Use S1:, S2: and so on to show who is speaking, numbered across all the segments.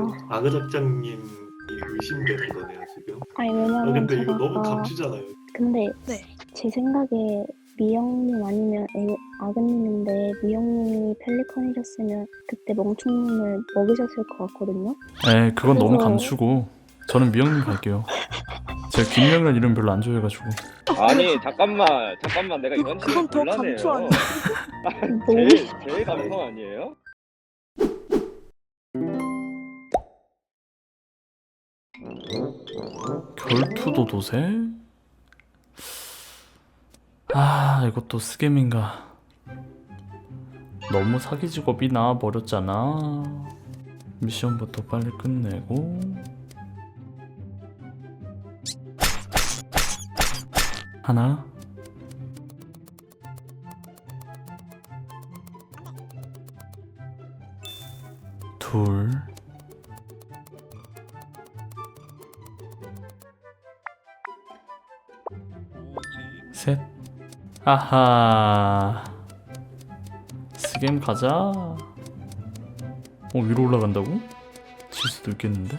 S1: 아그 작장님이 의심되는 거네요 지금.
S2: 아니 왜냐면
S1: 근데
S2: 제가
S1: 이거 너무
S2: 아까
S1: 감추잖아요.
S2: 근데
S3: 네.
S2: 제 생각에 미영님 아니면 아그님인데 미영님이 펠리컨이셨으면 그때 멍충님을 먹이셨을 것 같거든요.
S4: 에 그건 너무
S2: 그래서-
S4: 감추고 저는 미영님 갈게요. 제가 김영이라는 이름 별로 안 좋아해가지고.
S5: 아니 잠깐만 내가 이건
S3: 그건 더 감초 아니야?
S5: 제일 감성 아니에요?
S4: 결투도 도세? 아 이것도 스캠인가. 너무 사기 직업이 나와버렸잖아. 미션부터 빨리 끝내고. 하나 둘 셋. 아하 스겜 가자. 위로 올라간다고? 질 수도 있겠는데?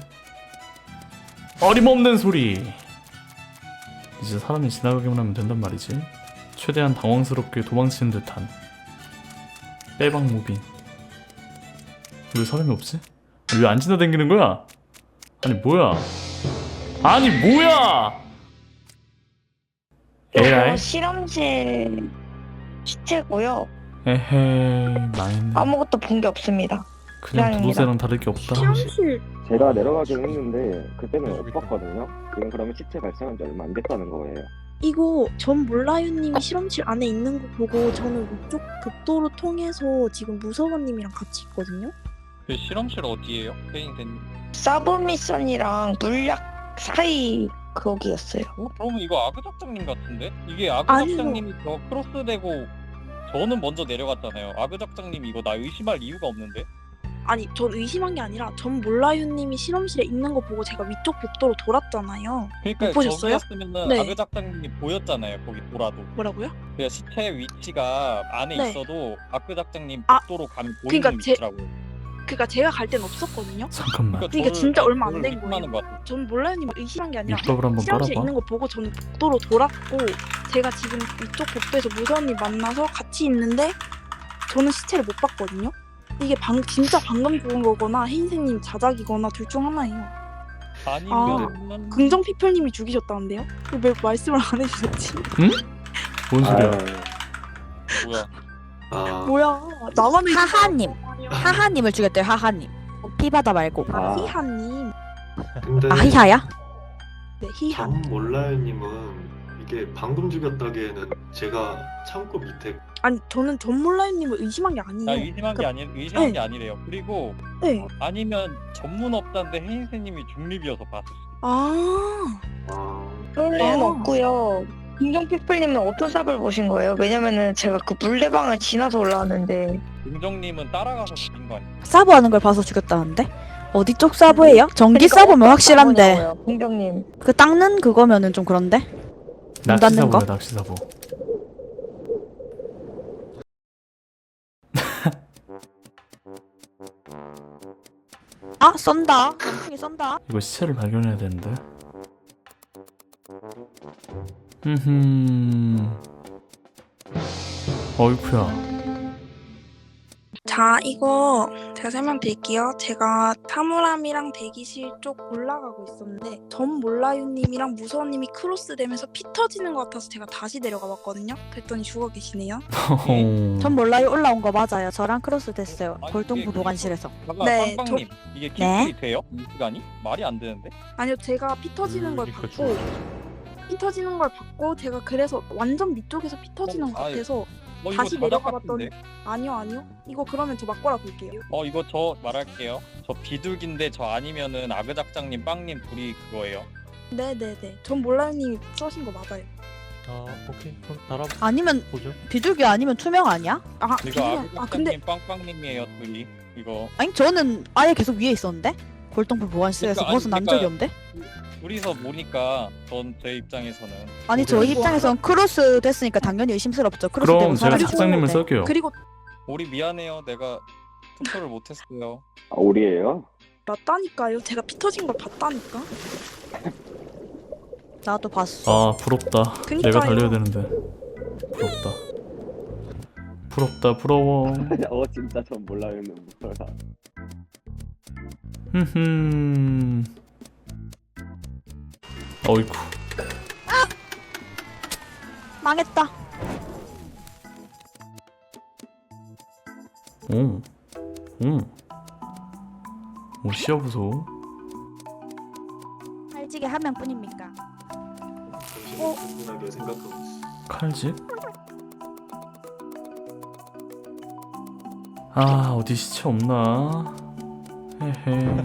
S4: 어림없는 소리. 이제 사람이 지나가기만 하면 된단 말이지. 최대한 당황스럽게 도망치는 듯한 빼박 무빙. 왜 사람이 없지? 왜 안 지나다니는 거야? 아니 뭐야? 아니 뭐야? 에라이?
S6: 이거 실험실 시체고요.
S4: 에헤이 망했네.
S6: 아무것도 본 게 없습니다.
S4: 그냥
S6: 미안합니다.
S4: 도도새랑 다를 게 없다.
S3: 실험실
S5: 제가 내려가긴 했는데 그때는 못 봤거든요. 지금 그러면 시체 발생한 지 얼마 안 됐다는 거예요.
S3: 이거 전 몰라요님이 실험실 안에 있는 거 보고 저는 위쪽 복도로 통해서 지금 무서워님이랑 같이 있거든요.
S7: 그 실험실 어디예요? 페인센.
S6: 사브 미션이랑 물약 사이 거기였어요.
S7: 그러면 이거 아그 작장님 같은데? 이게 아그
S3: 아니요.
S7: 작장님이 저 크로스되고 저는 먼저 내려갔잖아요. 아그 작장님 이거 나 의심할 이유가 없는데?
S3: 아니 전 의심한 게 아니라 전 몰라요님이 실험실에 있는 거 보고 제가 위쪽 복도로 돌았잖아요.
S7: 그러니까
S3: 못 보셨어요?
S7: 저기였으면은
S3: 네.
S7: 아그 작장님이 보였잖아요. 거기 돌아도.
S3: 뭐라고요?
S7: 그러니까 시체 위치가 안에
S3: 네.
S7: 있어도 아그 작장님
S3: 아,
S7: 복도로 가면
S3: 그러니까
S7: 보이는
S3: 제-
S7: 위치라고.
S3: 그러니까 제가 갈 땐 없었거든요.
S4: 잠깐만.
S3: 그러니까 진짜 얼마 안
S7: 저를
S3: 된
S7: 의심하는
S3: 거예요.
S7: 것 같아.
S3: 전 몰라요님을 의심한 게 아니라
S4: 밑밥을 한번
S3: 실험실에
S4: 깔아봐.
S3: 있는 거 보고 저는 복도로 돌았고 제가 지금 이쪽 복도에서 무서워님 만나서 같이 있는데 저는 시체를 못 봤거든요. 이게 진짜 방금 죽은 거거나 혜인생님 자작이거나 둘 중 하나예요.
S7: 아니면
S3: 긍정피플님이 죽이셨다는데요? 왜 말씀을 안 해주셨지?
S4: 뭔 소리야?
S7: 뭐야?
S1: 아
S3: 뭐야 나만
S8: 하하님. 하하님을 죽였대요. 하하님. 피바다 말고.
S3: 희하님.
S1: 근데
S8: 아 히하야?
S3: 네 희하.
S1: 전 몰라요님은 이게 방금 죽였다기에는 제가 창고 밑에
S3: 아니 저는 전 몰라요님을 의심한 게 아니에요.
S7: 나 의심한 게 의심한 게 아니래요. 그리고
S3: 네.
S7: 아니면 전문 업자인데 혜인세님이 중립이어서 봤을 수.
S3: 아
S6: 그럴 리는
S3: 아.
S6: 없고요. 김정피플님은 어떤 삽을 보신 거예요? 왜냐면은 제가 그 물레방을 지나서 올라왔는데
S7: 긍정님은 따라가서 죽인 거 아니야?
S8: 사보 하는 걸 봐서 죽였다는데? 어디 쪽 사보예요? 전기
S6: 그러니까
S8: 사보면
S6: 어떤
S8: 확실한데
S6: 사보냐고요, 긍정님.
S8: 그 닦는 그거면은 좀 그런데? 문 닫는 거?
S4: 낚시사보야 낚시사보.
S8: 아 쏜다. 멍청이 쏜다.
S4: 이거 시체를 발견해야 되는데. 어이쿠야.
S3: 자, 이거 제가 설명드릴게요. 제가 사물함이랑 대기실 쪽 올라가고 있었는데 전 몰라요님이랑 무서워님이 크로스되면서 피 터지는 것 같아서 제가 다시 내려가 봤거든요. 그랬더니 죽어 계시네요.
S8: 전 몰라요. 올라온 거 맞아요. 저랑 크로스 됐어요.
S7: 아니,
S8: 골동부
S7: 이게
S8: 보관실에서.
S7: 잠깐
S3: 네,
S7: 빵빵님 이게
S8: 네?
S7: 기술이 돼요? 이 시간이? 말이 안 되는데?
S3: 아니요, 제가 피 터지는 걸
S4: 그러니까
S3: 봤고 피 터지는 걸 봤고 제가 그래서 완전 밑쪽에서 피 터지는 것
S7: 아유.
S3: 같아서
S7: 이거
S3: 다시
S7: 자작
S3: 내려가
S7: 같은데?
S3: 봤더니 아니요. 이거 그러면 저 막고라 볼게요.
S7: 이거 저 말할게요. 저 비둘기인데 저 아니면은 아그 작장님 빵님 둘이 그거예요.
S3: 네네네. 전 몰라요님이 써신 거 맞아요.
S9: 아 오케이 그럼 달아
S8: 아니면
S9: 보죠.
S8: 비둘기 아니면 투명 아니야?
S3: 아,
S7: 이거 아그
S3: 아 근데
S7: 작장님 빵빵님이에요 둘이. 이거
S8: 아니 저는 아예 계속 위에 있었는데? 골동부 보관실에서
S7: 그러니까, 아니,
S8: 벗어난
S7: 그러니까-
S8: 적이 없는데?
S7: 둘이서 보니까 제 입장에서는
S8: 아니 저희
S3: 그리고-
S8: 입장에선 크로스 됐으니까 당연히 의심스럽죠. 크로스
S4: 그럼
S8: 되고
S4: 제가
S8: 사람이
S4: 작장님을
S8: 죽었는데.
S4: 쏠게요.
S3: 그리고
S7: 우리 미안해요. 내가 투표를 못했어요.
S5: 아, 우리예요?
S3: 맞다니까요. 제가 피 터진 걸 봤다니까.
S8: 나도 봤어.
S4: 아 부럽다.
S3: 그니까요.
S4: 내가 달려야 되는데. 부럽다. 부럽다 부러워.
S5: 진짜 전 몰라요는 뭐야.
S4: 흠흠. 어이쿠.
S8: 망했다.
S4: 오. 오. 오 시야 보소.
S8: 살찌게 한 명뿐입니까?
S1: 당신은 충분하게 생각하고 있어.
S4: 칼집? 아 어디 시체 없나? 헤헤.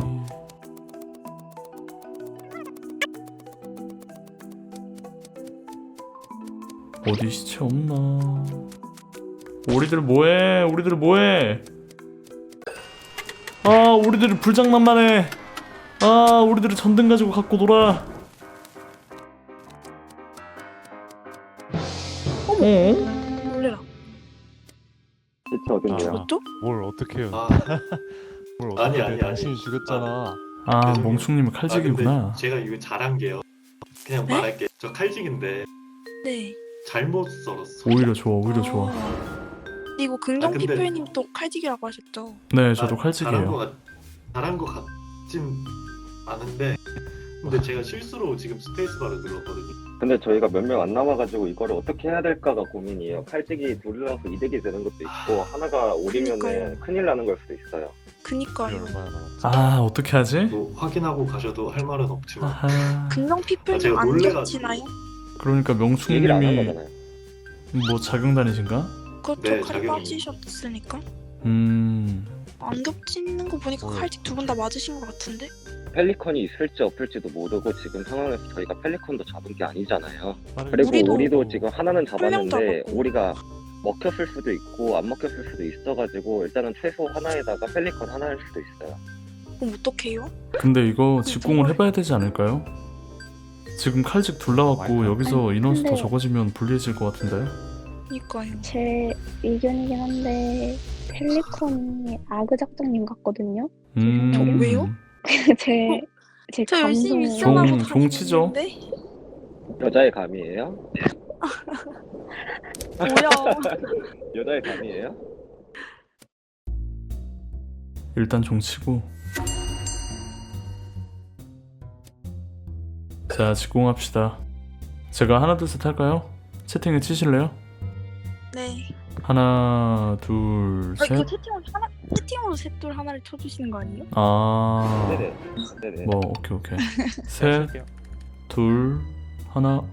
S4: 어디 시체 없나? 우리들 뭐해? 우리들 뭐해? 아 우리들이 불장난만해. 아 우리들이 전등 가지고 갖고 놀아. 어?
S3: 놀래라.
S5: 시체 어딘데요?
S3: 죽었죠?
S9: 뭘 어떻게 해요?
S1: 아,
S9: 뭘
S1: 아니,
S9: 어떻게
S1: 아니,
S9: 해?
S1: 아니.
S9: 당신이 죽였잖아.
S4: 아
S1: 죄송해요.
S4: 멍충님이
S1: 근데
S4: 칼직이구나.
S1: 제가 이거 잘한 게요. 그냥
S3: 네?
S1: 말할게. 저 칼직인데
S3: 네.
S1: 잘못 썰었어.
S4: 오히려 좋아 오히려 좋아.
S3: 근데 이거 긍정
S1: 근데-
S3: 피플님 또 칼직이라고 하셨죠?
S4: 네 저도
S1: 아,
S4: 칼직이에요.
S1: 잘한 거 같진 않은데 근데 제가 실수로 지금 스페이스바를 눌렀거든요.
S5: 근데 저희가 몇 명 안 남아가지고 이거를 어떻게 해야 될까가 고민이에요. 칼직이 둘이라서 이득이 되는 것도 있고 하나가 오리면은
S3: 그러니까요.
S5: 큰일 나는 걸 수도 있어요.
S9: 이게
S3: 그니까요.
S9: 얼마나 남았지?
S4: 아 어떻게 하지?
S1: 뭐 확인하고 가셔도 할 말은 없지만
S4: 아하.
S3: 긍정 피플님
S1: 제가
S3: 안
S1: 놀래가지고.
S3: 겹치나요?
S4: 그러니까
S5: 얘기를 안 한
S4: 명충님이
S5: 거잖아요.
S4: 뭐 작용단이신가?
S3: 그렇죠.
S1: 네,
S3: 칼
S1: 자격이-
S3: 빠지셨으니까. 안 겹치는 거 보니까
S9: 어.
S3: 칼직 두 분 다 맞으신 것 같은데?
S5: 펠리컨이 있을지 없을지도 모르고 지금 상황에서 저희가 펠리컨도 잡은 게 아니잖아요.
S9: 아니,
S5: 그리고
S3: 우리도
S5: 우리도 지금 하나는
S3: 명
S5: 잡았는데
S3: 잡았고.
S5: 우리가 먹혔을 수도 있고 안 먹혔을 수도 있어가지고 일단은 최소 하나에다가 펠리컨 하나일 수도 있어요.
S3: 그럼 어떡해요?
S4: 근데 이거 직공을 해봐야 되지 않을까요? 지금 칼직 둘 나왔고 여기서
S2: 아니,
S4: 인원수 더
S2: 근데-
S4: 적어지면 불리해질 것 같은데?
S3: 그니까요.
S2: 제 의견이긴 한데 펠리컨이 아그 작가님 같거든요.
S3: 저 왜요?
S2: 제
S3: 저 열심히
S2: 감성
S3: 미션하고
S4: 종- 종치죠.
S3: 다니는데?
S5: 여자의 감이에요?
S3: 뭐야?
S5: 여자의 감이에요?
S4: 일단 종치고. 자 직공합시다. 제가 하나 둘 셋 할까요? 채팅에 치실래요?
S3: 네.
S4: 하나 둘
S3: 이거
S4: 셋.
S3: 채팅으로 셋둘 하나를 쳐주시는 거 아니에요?
S4: 아.
S5: 네네. 네네.
S4: 뭐 오케이 오케이.
S9: 네,
S4: 셋,
S9: 칠게요.
S4: 둘, 하나.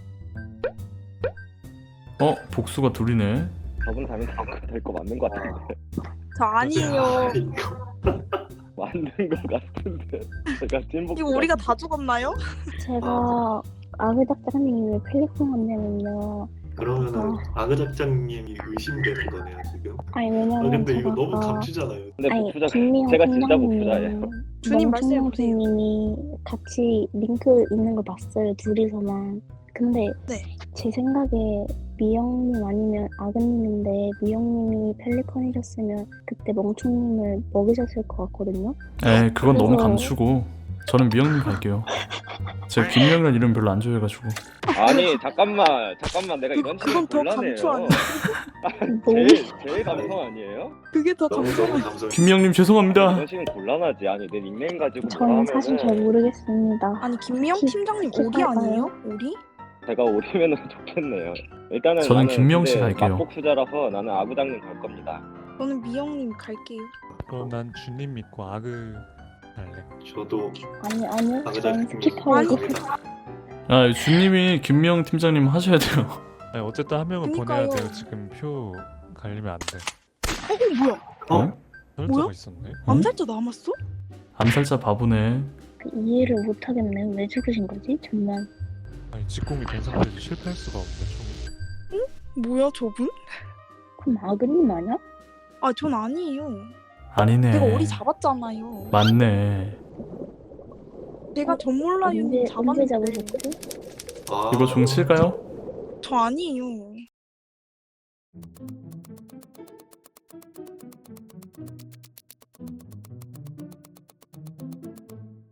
S4: 복수가 둘이네.
S5: 저분 담이 될거 맞는 거 같은데.
S3: 저 아니에요.
S1: 아, 이거
S5: 맞는 거 같은데. 제가 찐복.
S3: 이거 우리가 다 죽었나요?
S2: 제가 아그 작가님이 왜 펠리컨 한다면요.
S1: 그러면은 아그 작장님이 의심되는 거네요 지금.
S2: 아니
S1: 아
S2: 왜냐면
S1: 근데
S2: 제가
S1: 이거 너무
S2: 아까
S1: 감추잖아요.
S5: 근데
S2: 아니
S5: 복수자
S2: 김미영
S5: 제가 진짜 복수자예요.
S2: 팀장님,
S3: 주님 말씀해보세요.
S2: 님이 같이 링크 있는 걸 봤어요 둘이서만. 근데
S3: 네.
S2: 제 생각에 미영님 아니면 아그님인데 미영님이 펠리컨이셨으면 그때 멍충님을 먹이셨을 것 같거든요.
S4: 에 그건 너무
S2: 그래서-
S4: 감추고 저는 미영님 갈게요. 제가 김명이라는 이름 별로 안 좋아해가지고.
S5: 아니 잠깐만 내가 이런
S3: 그건
S5: 식으로
S3: 더 감초
S5: 곤란해요.
S2: 너무
S5: 제일 감성 아니에요?
S3: 그게 더
S1: 너무
S3: 감성.
S1: 너무 감성.
S4: 김명님 죄송합니다.
S5: 이런 식은 곤란하지. 아니 내 닉네임 가지고 뭐라
S2: 저는 사실 잘
S5: 하면은
S2: 모르겠습니다.
S3: 아니 김미영 팀장님 오리
S2: 기타가요?
S3: 아니에요? 오리?
S5: 제가 오리면은 좋겠네요. 일단은
S4: 저는
S5: 나는
S4: 김명 씨
S5: 근데
S4: 갈게요.
S5: 맞복수자라서 나는 아구장님 갈 겁니다.
S3: 저는 미영님 갈게요.
S9: 그럼 난 주님 믿고 아그 할래.
S1: 저도
S2: 아니요.
S1: 아그
S2: 저는
S1: 작장님
S2: 스키퍼이고
S1: 갑니다.
S4: 아 주님이 김명 팀장님 하셔야 돼요.
S9: 아니 어쨌든 한 명은
S3: 그니까요.
S9: 보내야 돼요. 지금 표 갈리면 안 돼.
S3: 뭐야?
S4: 어?
S9: 설자가
S3: 뭐야?
S9: 있었네.
S3: 암살자 남았어?
S4: 암살자 바보네.
S2: 이해를 못하겠네요. 왜 죽으신 거지? 정말.
S9: 아니 직공이 된 상태에서 실패할 수가 없네.
S3: 뭐야 저분?
S2: 그럼 아그님 아니야?
S3: 아 전 아니에요.
S4: 아니네.
S3: 내가 오리 잡았잖아요.
S4: 맞네.
S3: 제가 전 몰라요
S2: 언제
S3: 잡았는데.
S2: 잡으셨지?
S1: 아,
S4: 이거 종칠까요?
S3: 저 아니에요.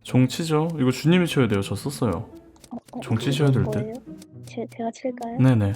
S4: 종치죠. 이거 주님이 쳐야 돼요. 저 썼어요. 종치 쳐야 될 듯.
S2: 거예요? 제가 칠까요?
S4: 네네.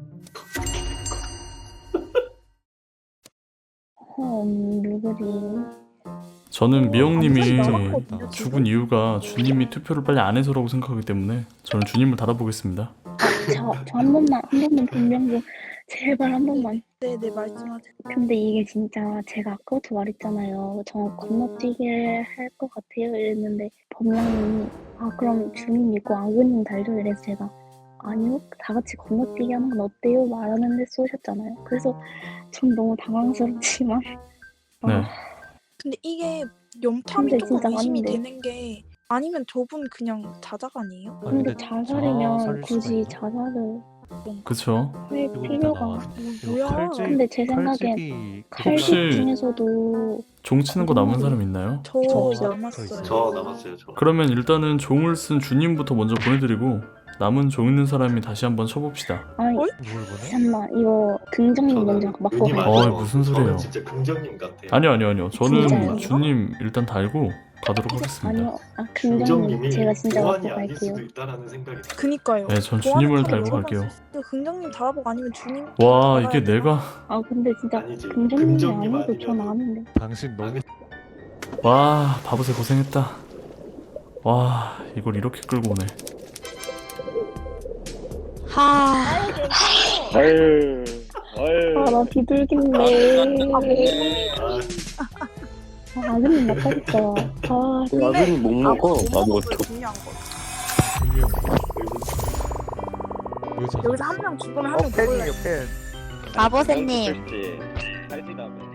S2: 누구지?
S4: 저는 미영님이
S3: 남았거든요, 지금.
S4: 죽은 이유가 주님이 투표를 빨리 안 해서라고 생각하기 때문에 저는 주님을 달아보겠습니다.
S2: 저 한 번만 분명 좀 제발 한 번만.
S3: 네네 말씀하세요.
S2: 근데 이게 진짜 제가 아까부터 말했잖아요. 저 건너뛰게 할 것 같아요 이랬는데 범령님이 그럼 주님 믿고 아그님 달죠 이래서 제가 아니요 다 같이 건너뛰기 하는 건 어때요 말하는데 쏘셨잖아요. 그래서 전 너무 당황스럽지만
S4: 네.
S3: 근데 이게 염탐이
S2: 근데
S3: 조금
S2: 진짜
S3: 의심이
S2: 맞는데.
S3: 되는 게 아니면 저분 그냥 자작 아니에요?
S2: 근데 자살이면
S9: 자살일 수가
S2: 굳이
S9: 있나?
S2: 자살을
S4: 그쵸?
S2: 할
S9: 이거
S2: 필요가
S9: 나와.
S3: 뭐야?
S9: 칼집,
S2: 근데 제 생각엔
S9: 칼집이
S4: 혹시-
S2: 칼집 중에서도
S4: 종치는 거 남은 사람 있나요?
S3: 저
S2: 없어요.
S3: 남았어요.
S1: 저 남았어요. 저.
S4: 그러면 일단은 종을 쓴 주님부터 먼저 보내드리고 남은 종 있는 사람이 다시 한번 쳐봅시다.
S2: 아니
S3: 어이?
S9: 뭘 보내?
S2: 잠깐만 이거 긍정님 먼저
S1: 저는
S2: 맞고
S1: 윤희
S2: 갈게요.
S4: 어이,
S1: 맞아요.
S4: 무슨 소리예요.
S1: 저는 진짜 긍정님 같아요.
S4: 아니요. 저는
S2: 진짜요?
S4: 주님 일단 달고 가도록 하겠습니다.
S2: 아니요 긍정님
S1: 긍정님이
S2: 제가 진짜
S1: 보안이
S2: 맞고
S1: 아닐
S2: 갈게요.
S1: 수도 있다라는 생각이 들어요.
S3: 그니까요.
S4: 네, 전 주님을
S3: 보안은
S4: 달고
S3: 여러
S4: 갈게요.
S3: 가지 있어요. 긍정님 달아보고 아니면 주님.
S4: 와,
S3: 달아야
S4: 이게
S3: 돼요.
S4: 내가
S2: 근데 진짜
S1: 아니지.
S2: 긍정님이
S1: 긍정님
S2: 아니어도 전
S1: 아니면은-
S2: 아는데
S9: 당신 너무
S4: 와, 바보새 고생했다. 와, 이걸 이렇게 끌고 오네.
S5: 아유.
S2: 나 비둘기인데
S1: 아,
S2: 아그님 맞다니까
S5: 아들이 못 먹어.
S3: 아무것도 중요한 거.
S9: 분명 의사
S3: 여기서 한 명 죽으면 한 명 먹을래.
S8: 아버새님
S5: 칼집 다음에.